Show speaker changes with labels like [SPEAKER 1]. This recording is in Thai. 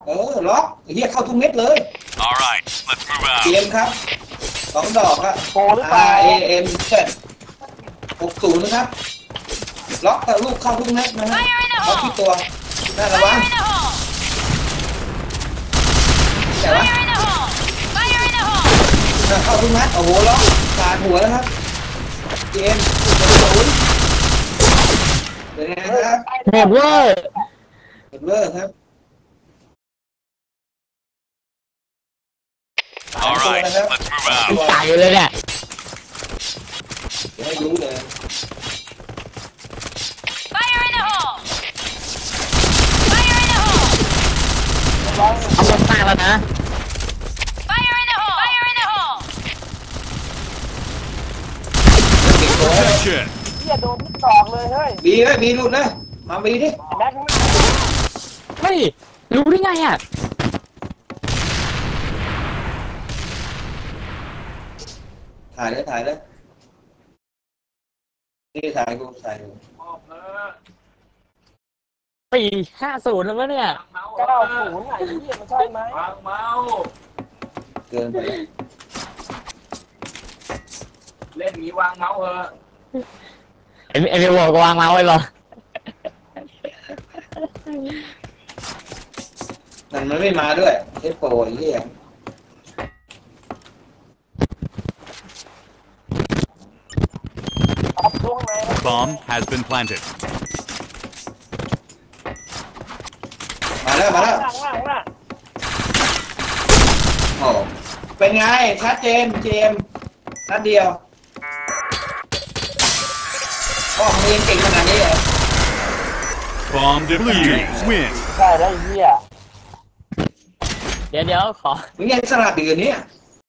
[SPEAKER 1] ล็อกเฮียเข้าทุกเม็ดเลย
[SPEAKER 2] Alright, let's move out.
[SPEAKER 1] เกมครับ2 ดอกอะ
[SPEAKER 3] โปรหรือเปล่า
[SPEAKER 1] RAM 60นะครับล็อกแต่ลูกเข้าทุกเม็ดนะฮะล็อกที่ตัวน่าระวังแต่ว่าเข้าทุกนัดโอ้โหล็อกขาดหัวแล้วครับเกม0เป็นไงครับ
[SPEAKER 4] หมดเว้ย
[SPEAKER 1] หมดเลิกครับ
[SPEAKER 2] Alright, let's move
[SPEAKER 4] ตาย
[SPEAKER 2] out.
[SPEAKER 4] เลยเนี่ย
[SPEAKER 1] ไม่รู้เลย
[SPEAKER 4] เอาลงตายแล้วนะ
[SPEAKER 1] เก็บตัว
[SPEAKER 2] Attention.
[SPEAKER 3] เหี้ยโดนทุกดอกเลยเฮ้ย
[SPEAKER 1] บีเลยบีหลุดนะมาบีดิ
[SPEAKER 3] แม็กซ์
[SPEAKER 4] เฮ้ยรู้ได้ไงอ่ะ
[SPEAKER 1] ถ่ายเลยนี่ถ่ายกูถ่ายกู
[SPEAKER 4] 4-50แล้ววะเนี่ย
[SPEAKER 3] 90ไหนเหี้ยมันใช่ไหม
[SPEAKER 1] เกินไป
[SPEAKER 5] เล่นงี้วางเมาส์เถอะ
[SPEAKER 4] ไอ้พี่บอกวางเมาส์ไว้เหรอ
[SPEAKER 1] มันไม่มาด้วยใช้โปรไอ้เหี้ย
[SPEAKER 3] เอาช่วงไหน
[SPEAKER 2] Bomb has been planted.
[SPEAKER 1] มาแล้ว
[SPEAKER 3] ล่างล่ะ
[SPEAKER 1] โอ้เป็นไงชัดเจนเจมนัดเดียวพ่อมึงเรียนเก่งขนาดนี้เหรอ
[SPEAKER 2] Bomb defused. Win.
[SPEAKER 3] ใช่แล้วไอ้เหี้ย
[SPEAKER 4] เดี๋ยวขอ
[SPEAKER 1] มึงยังสลับอยู่เนี่ย